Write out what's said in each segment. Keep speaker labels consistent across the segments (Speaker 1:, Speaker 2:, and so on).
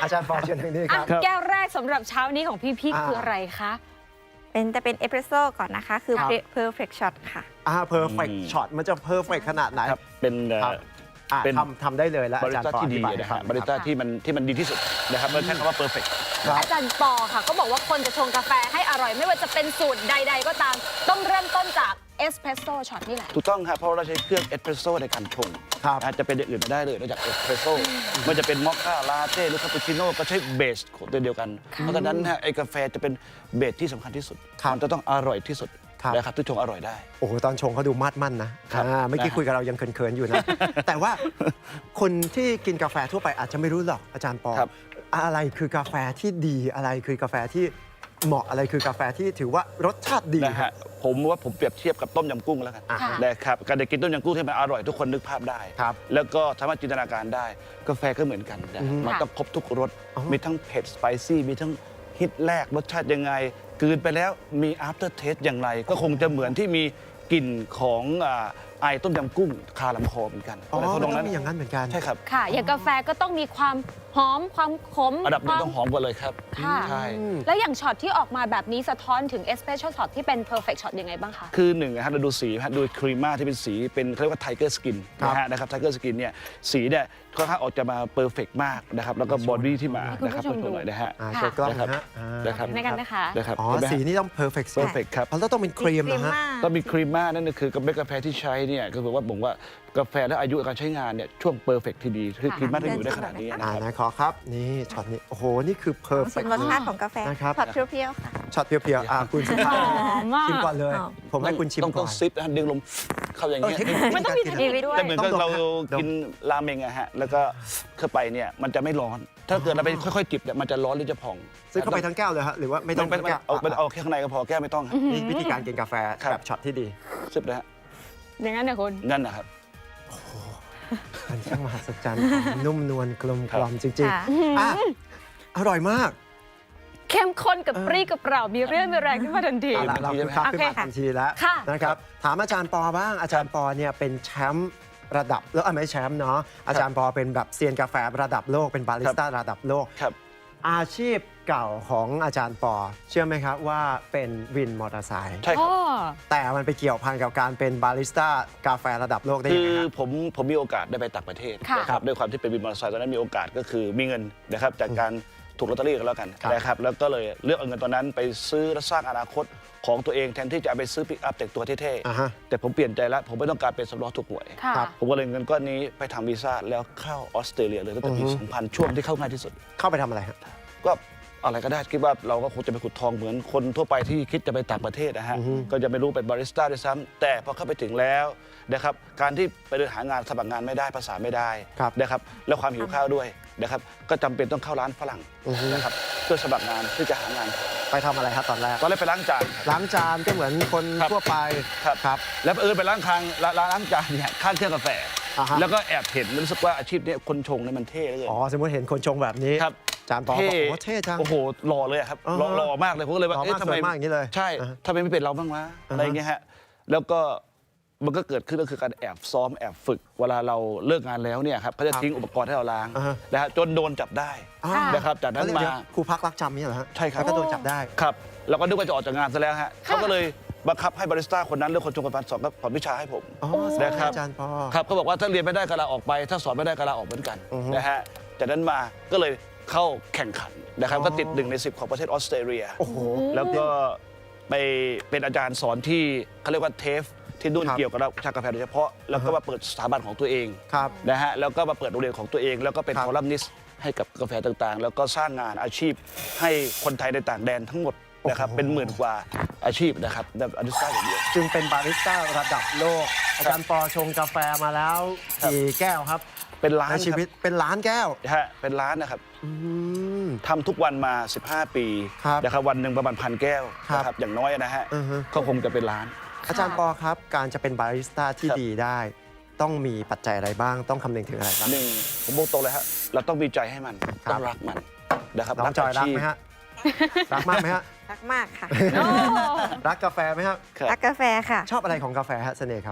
Speaker 1: อาจารย์ปอเชิญทางนี้ครับ
Speaker 2: แก้วแรกสำหรับเช้านี้ของพี่ๆคืออะไรคะ
Speaker 3: จะเป็นเอสเปรสโซ่ก่อนนะคะ คือ
Speaker 1: ครับ
Speaker 3: perfect shot ค่ะ
Speaker 1: perfect shot มันจะ perfect ขนาดไหน
Speaker 4: ครับเป็น
Speaker 1: ครับ
Speaker 4: เป็น
Speaker 1: ทำได้เลยแล้ว
Speaker 4: บ
Speaker 1: อา
Speaker 4: ริ
Speaker 1: จารย์
Speaker 4: สต้า
Speaker 1: ปอ
Speaker 4: ที่
Speaker 1: อ
Speaker 4: ดี
Speaker 1: ธิบายให้
Speaker 4: นะ
Speaker 1: ฟั
Speaker 4: ฮะ
Speaker 1: ง
Speaker 4: บริสต้าที่มันดีที่สุดนะครับเราใช้คำว่า perfect
Speaker 1: ครับ
Speaker 2: อาจารย์ปอค่ะก็บอกว่าคนจะชงกาแฟให้อร่อยไม่ว่าจะเป็นสูตรใด ๆ ก็ตาม ต้องเริ่มต้นจากเอสเพรสโซ่ช็อตนี่แหละ
Speaker 4: ถูกต้องครับเพราะเราใช้เครื่องเอสเปรสโซ่ในการชง
Speaker 1: ครับ
Speaker 4: นะจะเป็นอย่างอื่นไม่ได้เลยนอกจากเอสเปรสโซ่มันจะเป็นมอคค่าลาเต้หรือคาปูชิโน่ก็ใช้เบสของตัวเดียวกัน เพราะฉะนั้นไอ้กาแฟจะเป็นเบสที่สำคัญที่สุด
Speaker 1: ครับ
Speaker 4: มันจะต้องอร่อยที่สุด
Speaker 1: ครับ
Speaker 4: นะครับที่ชงอร่อยได้
Speaker 1: โอ้โหตอนชงเขาดูมาดมั่นนะครับ เมื่อกี้
Speaker 4: นะฮะ
Speaker 1: คุยกับเรายังเขินๆอยู่นะ แต่ว่าคนที่กินกาแฟทั่วไปอาจจะไม่รู้หรอกอาจารย์ปอ
Speaker 4: ครับ
Speaker 1: อะไรคือกาแฟที่ดีอะไรคือกาแฟที่เหมาะอะไรคือกาแฟที่ถือว่ารสชาติดี
Speaker 4: นะฮะผมว่าผมเปรียบเทียบกับต้มยำกุ้งแล้วกัน
Speaker 1: อ่ะ
Speaker 2: ค่ะ
Speaker 4: นะครับการได้กินต้มยำกุ้งที่มันอร่อยทุกคนนึกภาพได้
Speaker 1: ครับ
Speaker 4: แล้วก็สามารถจินตนาการได้กาแฟก็เหมือนกันนะ
Speaker 1: อืม
Speaker 4: มันต้องครบทุกรส
Speaker 1: อ๋อ
Speaker 4: มีทั้งเผ็ดสไปซี่มีทั้งฮิตแรกรสชาติยังไงกลืนไปแล้วมี after taste อย่างไร ก็คงจะเหมือนที่มีกลิ่นของไอต้มยำกุ้งคาลำคอเหมือนกัน
Speaker 1: อ๋อ
Speaker 4: อะไรพวก
Speaker 1: มัน
Speaker 4: นั้
Speaker 1: ต้อน งมีอย่างนั้นเหมือนกัน
Speaker 4: ใช่ครับ
Speaker 2: ค่ะ อย่างกาแฟก็ต้องมีความหอมความขม
Speaker 4: อันดับหนึ่ง
Speaker 2: ควา
Speaker 4: ต้องหอมกว่าเลยครับ
Speaker 2: ค่ะ
Speaker 4: ใช่
Speaker 2: แล้วอย่างช็อตที่ออกมาแบบนี้สะท้อนถึงเอสเพรสโซ่ช็อตที่เป็นเพอร์เฟกต์ช็อตยังไงบ้างคะ
Speaker 4: คือหนึ่งนะฮะเราดูสีนะฮะดูครีมม่าที่เป็นสีเป็นเขาเรียกว่าไทเกอร์สกิน
Speaker 1: ครับ
Speaker 4: นะฮะนะครับไทเกอร์สกินเนี่ยสีเนี่ยค่อนข้างออกจะมาเพอร์เฟกมากนะครับแล้วก็บอดี้ที่มา
Speaker 2: คุณผู้
Speaker 4: นะครับ
Speaker 2: ชมดู
Speaker 4: หน่อยนะฮะ
Speaker 1: โชว์กล้อง
Speaker 4: นะครับ
Speaker 1: นะฮะอ่า
Speaker 4: นะครับ
Speaker 2: ในกันนะคะ
Speaker 4: นะครับ
Speaker 1: อ๋อ
Speaker 4: เห็นไหมฮะ
Speaker 1: สีนี่ต้อง perfect
Speaker 4: เพอร์เฟกครับ
Speaker 1: แล้วต้องเป็นครีมนะฮะ
Speaker 4: ต้องมีครีมม่านั่นก็คือกาแฟที่ใช้เนี่ยก็คือว่าผมว่ากาแฟและอายุการใช้งานเนี่ยช่วงเพอร์เฟกที่ดีคือ
Speaker 2: ค่ะ
Speaker 4: ครีมม่าที่อยู่ได้ขนาดนี้นะครับ
Speaker 1: นะขอครับ นี่ช็อตนี้ โอ้โห นี่คือ
Speaker 3: ชิม
Speaker 1: perfect
Speaker 3: รสชาติของกาแฟ
Speaker 1: นะครับ
Speaker 3: ช็อตเปรี้ยวๆค่ะ
Speaker 1: ช็อตเพียวๆคุณสุภาพ
Speaker 2: หอมมาก
Speaker 1: ชิมก่อนเลย
Speaker 3: หอม
Speaker 1: ผมให้คุณชิม
Speaker 4: ต้อง
Speaker 1: ก่อน
Speaker 4: ซิปนะฮะดึงลมเข้าอย่างเงี้ย
Speaker 2: มันต้องมีเทคนิคด้วย
Speaker 4: แต่เหมือนกับ
Speaker 1: ต้องดม
Speaker 4: เรา
Speaker 1: ฮะดม
Speaker 4: กินราเมงอะฮะแล้วก็เข้าไปเนี่ยมันจะไม่ร้อน ถ้าเกิดเราไปค่อยๆจิบเนี่ยมันจะร้อนหรือจะพอง
Speaker 1: ซื้อเข้าไปทั้งแก้วเลยฮะหรือว่าไม่ต้อง
Speaker 4: ไม่
Speaker 1: ทั้งแก้ว
Speaker 4: เอาแค่ข้างในก็พอแก้วไม่ต้องฮะ
Speaker 1: นี่วิธีการกินกาแฟ
Speaker 4: ครับ
Speaker 1: แบบช็อตที่ดี
Speaker 4: ซิปนะฮะ
Speaker 2: อย่างนั้นเนี่ยคุณ
Speaker 4: นั่นนะครับ
Speaker 1: มันช่างมหัศจรรย์นุ่มนวลกลมกล่อมจริง
Speaker 3: ค่ะ
Speaker 1: ๆอ่ะอร่อยมาก
Speaker 2: เข้มข้นกับปรี้กับเปร่ามีเรื่องมีแรงขึ้นมาทันที
Speaker 1: เอาละเราคือคับขึ้นมาทันทีแล้ว
Speaker 2: ค่ะ
Speaker 1: นะครับถามอาจารย์ปอบ้างอาจารย์ปอเนี่ยเป็นแชมป์ระดับแล้วไม่แชมป์เนาะอาจารย์ปอเป็นแบบเซียนกาแฟระดับโลกเป็นบาริสต้าระดับโลก
Speaker 4: ครับ
Speaker 1: อาชีพเก่าของอาจารย์ปอ เชื่อไหมครับว่าเป็นวินมอเตอร์ไซค์
Speaker 4: ใช่ครับ
Speaker 1: แต่มันไปเกี่ยวพันกับการเป็นบาริสต้ากาแฟระดับโลกได้
Speaker 4: คื
Speaker 1: ยัง
Speaker 4: อ
Speaker 1: ไงครับ
Speaker 4: ผมมีโอกาสได้ไปต่างประเทศ
Speaker 2: ค่ะ
Speaker 4: นะครับด้วยความที่เป็นวินมอเตอร์ไซค์ตอนนั้นมีโอกาสก็คือมีเงินนะครับจากการถูกลอตเตอรี่กันแล้วกัน
Speaker 1: ครับ
Speaker 4: นะครับแล้วก็เลยเลือกเอาเงินตอนนั้นไปซื้อและสร้างอนาคตของตัวเองแทนที่จะเอาไปซื้อปิกอัพแต่งตัวเท่
Speaker 1: อ่าฮะ
Speaker 4: ๆแต่ผมเปลี่ยนใจแล้วผมไม่ต้องการเป็นสำรองถูกหวย
Speaker 2: ค่ะ
Speaker 1: ครับ
Speaker 4: ผมก็เลยเงินก้อนนี้ไปทำวีซ่าแล้วเข้าออสเตรเลียเลยตั้งแต่ปี 2000 ช่วงที่เข้าง่ายที่สุด
Speaker 1: เข้าไปทำอะไรครับ
Speaker 4: ก็อะไรก็ได้คิดว่าเราก็คงจะไปขุดทองเหมือนคนทั่วไปที่คิดจะไปต่างประเทศนะฮะก็จะไม่รู้เป็นบาริสต้าด้วยซ้ำแต่พอเข้าไปถึงแล้วนะครับการที่ไปเดินหางานสมัครงานไม่ได้ภาษาไม่ได้
Speaker 1: ครับ
Speaker 4: นะครับแล้วความหิวข้าวด้วยนะครับก็จำเป็นต้องเข้าร้านฝรั่งนะครับเพื่อสมัครงานเพื่อจะหางาน
Speaker 1: ไปทำอะไรครับตอนแรก
Speaker 4: ตอนแรกไปล้างจานครับ
Speaker 1: ล้างจานก็เหมือนคน
Speaker 4: ครับ
Speaker 1: ทั่วไป
Speaker 4: ครับ
Speaker 1: ครับ
Speaker 4: แล้วไปล้างล้างจานเนี่ยข้างเครื่องกาแฟ
Speaker 1: อ่าฮะ
Speaker 4: แล้วก็แอบเห็นรู้สึกว่าอาชีพเนี้คนชงเนี่ยมันเท่เหลย
Speaker 1: อ๋อสมมติเห็นคนชงแบบนี้
Speaker 4: ครับ
Speaker 1: อาจารย์ปอบอกโอ้เท่จัง
Speaker 4: โอ้โหหล่อเลยอะครับ
Speaker 1: อ่าฮะ
Speaker 4: หล่อมากเลยผมก็เลยว่า
Speaker 1: หล่อมาก
Speaker 4: ทำไม
Speaker 1: สวยมากอย่างนี้เลย
Speaker 4: ใช่
Speaker 1: อ่าฮะ
Speaker 4: ทำไมไม่เป็นเราบ้างวะอะไรอย่างเงี้ยฮะแล้วก็มันก็เกิดขึ้นก็คือการแอบซ้อมแอบฝึก เวลาเราเลิกงานแล้วเนี่ยครับเขาจะทิ้งอุปกรณ์ให้เราล้าง
Speaker 1: อ่าฮะ
Speaker 4: นะฮะจนโดนจับได้
Speaker 1: อ่า
Speaker 4: นะครับจากนั้น
Speaker 1: เดี๋ยว
Speaker 4: มา
Speaker 1: เดี๋ยวครูพักรักจำนี่เหรอฮะ
Speaker 4: ใช่ครับ
Speaker 1: แล้วก็โดนจับได้
Speaker 4: ครับเราก็นึกว่าจะออกจากงานซะแล้วฮะเขาก็เลยบังคับให้บาริสต้าคนนั้นเลือกคนชงกาแฟสอนก็สอนวิชาให้ผม
Speaker 1: อ๋อ
Speaker 4: นะครับ
Speaker 1: อาจารย์ปอ
Speaker 4: ครับเขาบอกว่าถ้าเรียนไม่ได้ก็ลาออกไป ถ้าสอนไม่ได้ก็ลาออกเหมือนกัน
Speaker 1: อือฮึ
Speaker 4: นะฮะจากนั้นมาก็เลยเข้าแข่งขันนะครับ
Speaker 1: อ๋อ
Speaker 4: ก็ติด1 ใน 10ของประเทศออสเตรเลีย
Speaker 1: โอ้โห
Speaker 4: แล้วก็ไปเป็นอาจารย์สอนที่เขาเรียกว่าเทฟที่นู่น
Speaker 1: ครับ
Speaker 4: เกี่ยวกับวิชากาแฟโดยเฉพาะแล้วก็มาเปิดสถาบันของตัวเอง
Speaker 1: ครับ
Speaker 4: นะฮะแล้วก็มาเปิดโรงเรียนของตัวเอง แล้วก็เป็น
Speaker 1: ครับ
Speaker 4: คอลัมนิสต์ให้กับกาแฟต่างๆ แล้วก็สร้างงานอาชีพให้คนไทยในต่างแดนทั้งหมดนะครับ
Speaker 1: โอ้โห
Speaker 4: เป็นหมื่นกว่าอาชีพนะครับแบบอาริสต้าอย่างเดียว
Speaker 1: จึงเป็นบาริสต้าระดับโลก อาจารย์ปอชงกาแฟมาแล้วกี่แก้วครับ
Speaker 4: เป็นล้าน
Speaker 1: ในชีวิตเป็นล้านแก้ว
Speaker 4: นะฮะเป็นล้านนะครับ
Speaker 1: อืม
Speaker 4: ทำทุกวันมา 15 ปี
Speaker 1: ครับ
Speaker 4: นะครับวันหนึ่งประมาณ1,000 แก้ว
Speaker 1: ครับ
Speaker 4: นะครับอย่างน้อยนะฮะ
Speaker 1: อือฮึ
Speaker 4: ก็คงจะเป็นล้าน
Speaker 1: อาจารย์ปอครับ การจะเป็นบาริสต้าที่
Speaker 4: ครับ
Speaker 1: ดีได้ ต้องมีปัจจัยอะไรบ้าง ต้องคำนึงถึงอะไรบ้าง
Speaker 4: หนึ่งผมบอกตรงเลยฮะเราต้องมีใจให้มัน
Speaker 1: ครับ
Speaker 4: ต้องรักมันนะครับ
Speaker 1: น้องจอยรักไหมฮะ รักมากไหมฮะ
Speaker 3: รักมากค่ะ
Speaker 1: รักกาแฟไหมครับ
Speaker 4: ครับ
Speaker 3: รักกาแฟค่ะ
Speaker 1: ชอบอะไรของกาแฟฮะเสน่ห์เขา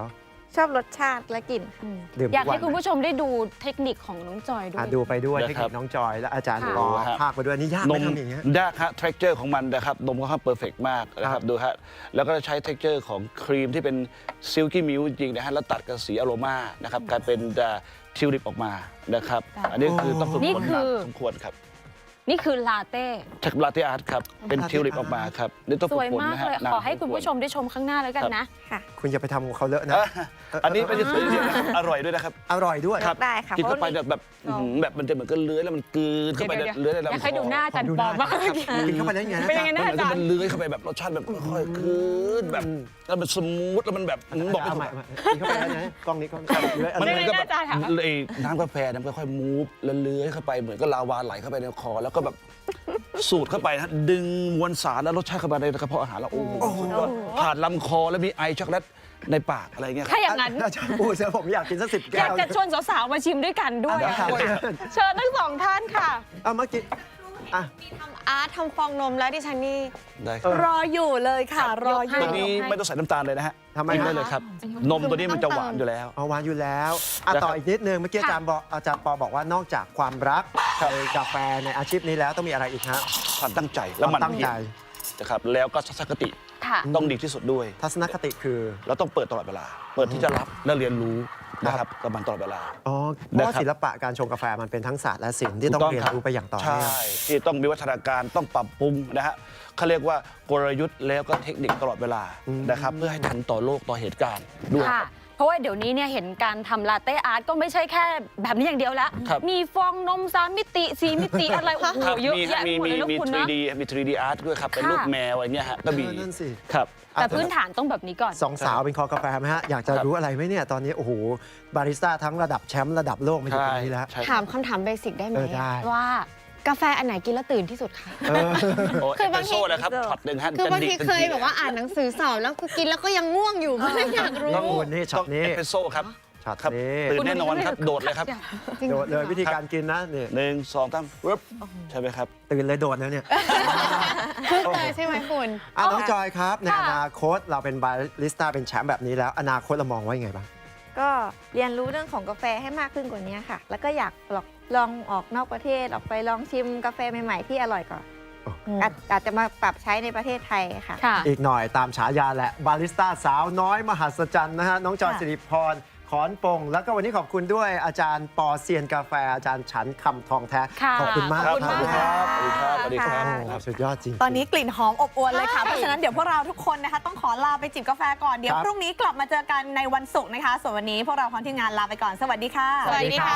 Speaker 3: ชอบรสชาติและกลิ่นค่ะ
Speaker 1: ดื่ม
Speaker 2: อยาก
Speaker 1: ทุกวั
Speaker 2: ให้
Speaker 1: น
Speaker 2: คุณผู้ชมได้ดูเทคนิคของน้องจอยด้ว
Speaker 1: อ่ะ
Speaker 2: ย
Speaker 1: ดูไปด้วย
Speaker 4: นะ
Speaker 1: เทค
Speaker 4: ครั
Speaker 1: นิ
Speaker 4: บ
Speaker 1: คน้องจอยและอาจารย์
Speaker 2: ค่ะ
Speaker 1: ปอ
Speaker 4: ดูฮะ
Speaker 1: ภาคไปด้วยนี่ยากไหมทำอย่างเงี้ย
Speaker 4: ยากฮะ texture ของมันนะครับนมก็ค่อนเพอร์เฟกมากนะค
Speaker 1: ครั
Speaker 4: รับบ ดูฮะแล้วก็จะใช้ texture ของครีมที่เป็นซิลกี้มิลจริงๆนะฮะแล้วตัดกับสีอโรมานะครับกลายเป็นทิวลิปออกมานะครับ
Speaker 2: ค่ะ
Speaker 4: อันนี้คือต้องฝึก
Speaker 2: นี่
Speaker 4: ฝน
Speaker 2: คื
Speaker 4: มา
Speaker 2: อ
Speaker 4: สมควรครับ
Speaker 2: นี่คือลาเต้
Speaker 4: จากลาเต้อาร์ตครับเป็นทิวลิปออกมาครับนี่ต้อง
Speaker 2: ส
Speaker 4: ฝึก
Speaker 2: วย
Speaker 4: ฝน
Speaker 2: มาก
Speaker 4: นะฮะ
Speaker 2: เลย
Speaker 4: นาน
Speaker 2: ขอให้คุณ
Speaker 4: ส
Speaker 2: ผู้ชมได้ชมข้างหน้าแล้วกันนะ
Speaker 3: ค่ะ
Speaker 1: คุณอย่าไปทำของเขาเลอะนะ
Speaker 4: อ่ะอันนี้ไม่ใช่สวยอย่างเดียวนะครับอร่อยด้วยนะครับ
Speaker 1: อร่อยด้วย
Speaker 4: ครับ
Speaker 3: ได้ค่ะ
Speaker 4: กินเข้าไป
Speaker 3: เพราะ
Speaker 4: แบบอื้อหือแบบมันจะเหมือนกับเลื้อยแล้วมันกลืนเข้าไป
Speaker 2: เดี๋ยวๆ
Speaker 4: เลื้อยใน
Speaker 2: อยาก
Speaker 4: ลำค
Speaker 2: ให้ดูหน้า
Speaker 4: อ
Speaker 2: อาจารย์ปอมาก
Speaker 1: กินเข้าไปแล้วยังไงนะ
Speaker 2: เป็นยังไง
Speaker 1: จ๊ะ
Speaker 2: นะ
Speaker 4: มันเหมือนกับมันเลื้อยเข้าไปแบบรสชาติแบบค่อยๆกลืนแบบแล้วมันสมูทแล้วมันแบบบอกไม่
Speaker 1: เอา
Speaker 4: ถู
Speaker 1: ใหม่
Speaker 4: ก
Speaker 1: กินเข้าไปแล้วนะกล้องนี้กล้องนี้เลื้อยอะไร
Speaker 4: มัน
Speaker 2: ยั
Speaker 4: เห
Speaker 2: ง
Speaker 4: มื
Speaker 2: ไง
Speaker 4: อนกับแบบ
Speaker 2: อาจารย์คะ
Speaker 4: ไอ้น้ำกาแฟมันค่อยๆมูฟแล้วเลื้อยเข้าไปเหมือนกับลาวาไหลเข้าไปในคอแล้วก็แบบสูดเข้าไปนะดึงมวลสารและรสชาติเข้าไปในกระเพาะอาหารแล้วโอ้โหสุดยอดผ่านลำคอแล้วมีไอช็อกโกแลตในปากอะไรเงี้ยครับ
Speaker 2: ถ้าอย่างนั้น
Speaker 1: อาจารย์พูดเสียผมอยากกินสัก10
Speaker 2: อ
Speaker 1: แก้
Speaker 2: ยาก
Speaker 1: ว
Speaker 2: จะชวนสาวๆมาชิมด้วยกันด้วย
Speaker 1: เดี๋ยว
Speaker 2: อะ
Speaker 1: ครับ
Speaker 2: เชิญทั้งสองท่านค่ะ
Speaker 1: เอาเมื่อกี้อ่ะ
Speaker 5: ทำอาร์ตทำฟองนมแล้วดิฉันนี่
Speaker 4: ได้ครับ
Speaker 5: รออยู่เลยค่ะ รออยู่
Speaker 4: ตัวนี้ไม่ต้องใส่น้ำตาลเลยนะฮะ
Speaker 1: ทำไม
Speaker 4: กินได้
Speaker 1: ฮะ
Speaker 4: เลยครับ นมตัวนี้มันจะหวานอยู่แล้ว
Speaker 1: เอาหวานอยู่แล้วอ่ะ
Speaker 4: นะครับ
Speaker 1: ต่ออีกนิดนึงเมื่อกี้อาจารย์ปอบอกว่านอกจากความรักในกาแฟในอาชีพนี้แล้วต้องมีอะไรอีกฮะ
Speaker 4: ความตั้งใจและมัน
Speaker 1: ตั้งใจ
Speaker 4: นะครับแล้วก็ทัศนคติ
Speaker 2: ค่ะ
Speaker 4: ต้องดีที่สุดด้วย
Speaker 1: ทัศนคติคือ
Speaker 4: เราต้องเปิดตลอดเวลา เปิดที่จะรับและเรียนรู้นะครับกับมันตลอดเวลา
Speaker 1: อ๋อเพราะว่า
Speaker 4: นะครับ
Speaker 1: ศิลปะการชงกาแฟมันเป็นทั้งศาสตร์และศิลป์ที่ต้องเรียนรู้ไปอย่างต่อ
Speaker 4: ใช่
Speaker 1: เนื่อง
Speaker 4: ที่ต้องมีวัฒนาการต้องปรับปรุงนะฮะเขาเรียกว่ากลยุทธ์แล้วก็เทคนิคตลอดเวลานะครับเพื่อให้ทันต่อโลกต่อเหตุการณ์ด้วย
Speaker 2: ค่ะ เพราะว่าเดี๋ยวนี้เนี่ยเห็นการทำลาเต้อาร์ตก็ไม่ใช่แค่แบบนี้อย่างเดียวแล้ว
Speaker 4: ครับ
Speaker 2: มีฟองนม3 มิติ4 มิติอะไรโอ้โห
Speaker 4: ครับ
Speaker 2: เยอะ
Speaker 4: มี
Speaker 2: แยะไปหมดเลยนะ
Speaker 4: มี
Speaker 2: คุณ
Speaker 4: 3D
Speaker 2: นะ
Speaker 4: มี 3D art ด้วยครับ เป็นรูป
Speaker 2: ค่ะ
Speaker 4: แมวอะไรเงี้ยฮะก็มี
Speaker 1: นั่นสิ
Speaker 4: ครับ
Speaker 2: แต่พื้นฐานต้องแบบนี้ก่อน
Speaker 1: สองสาวเป็นคอกาแฟไหมฮะ อยากจะ
Speaker 4: ครับ
Speaker 1: รู้อะไรไหมเนี่ย ตอนนี้ โอ้โห บาริสต้าทั้งระดับแชมป์ระดับโลกมาอยู่ตรงนี้แล้ว
Speaker 4: ใช่
Speaker 5: ถามคำถามเบสิกได้ไหม
Speaker 1: ได้
Speaker 2: ว่า
Speaker 5: กาแฟอันไหนกินแล้วตื่นที่สุดคะ
Speaker 1: เออ
Speaker 4: โอ้
Speaker 5: คื
Speaker 4: เอ
Speaker 5: อ
Speaker 4: สเป
Speaker 5: บาง
Speaker 4: รส
Speaker 5: ที
Speaker 4: โซ่นะครับช็อตหนึ่งฮะ
Speaker 5: คือบางที
Speaker 4: จะดี
Speaker 5: เคยแบบว่าอ่านหนังสือสอบแล้วคือกินแล้วก็ยังง่วงอยู่ก็เลยอยากรู้
Speaker 1: ต้องคุณนี่ช็อ
Speaker 4: ต้
Speaker 1: ต
Speaker 4: อง
Speaker 1: นี้
Speaker 4: เอสเปรสโซ่ครับ
Speaker 1: ช็อต
Speaker 4: ครับ
Speaker 1: นี้
Speaker 4: ตื่นแน่นอนครับโดดเลยครับ
Speaker 1: โดดเลยวิธีการกินนะเนี่ย
Speaker 4: 1 2 3ปึ๊บใช่ไหมครับ
Speaker 1: ตื่นเลยโดดแล้วเนี่ย
Speaker 5: เลยใช่ไหมคุณ
Speaker 1: อ่ะน้องจอยครับ ใน
Speaker 2: ค่ะ
Speaker 1: อนาคตเราเป็นบาริสต้าเป็นแชมป์แบบนี้แล้ว อนาคตเรามองไว้ยังไงบ้าง
Speaker 3: ก็เรียนรู้เรื่องของกาแฟให้มากขึ้นกว่านี้ค่ะ แล้วก็อยากลองออกนอกประเทศออกไปลองชิมกาแฟใหม่ๆที่อร่อยก่อน
Speaker 1: อ๋อ
Speaker 3: อาจจะมาปรับใช้ในประเทศไทยค่ะ
Speaker 2: ค่ะ
Speaker 1: อีกหน่อยตามฉายาแหละบาริสต้าสาวน้อยมหัศจรรย์นะฮะน้องจอย
Speaker 3: ค่ะ
Speaker 1: สิริพรขอนปงแล้วก็วันนี้ขอบคุณด้วยอาจารย์ปอเซียนกาแฟอาจารย์ฉันคำทองแท้
Speaker 2: ค่ะ
Speaker 1: ขอบคุณมาก
Speaker 2: ขอบคุณ
Speaker 4: สวัสดี
Speaker 2: มาก
Speaker 4: ครับสวัสดีครับสวัสดีครับ
Speaker 1: โอ้โหสุดยอดจริง
Speaker 6: ตอนนี้กลิ่นหอมอบอวลเลยค่ะ
Speaker 2: ใช่
Speaker 6: เพราะฉะนั้นเดี๋ยวพวกเราทุกคนนะคะต้องขอลาไปจิบกาแฟก่อน เดี๋ยว
Speaker 1: ครับ
Speaker 6: พรุ่งนี้กลับมาเจอกันในวันศุกร์นะคะ ส่วนวันนี้พวกเราพร้อมทีมงานลาไปก่อน สวัสดีค่ะ
Speaker 2: สวัสดีค่ะ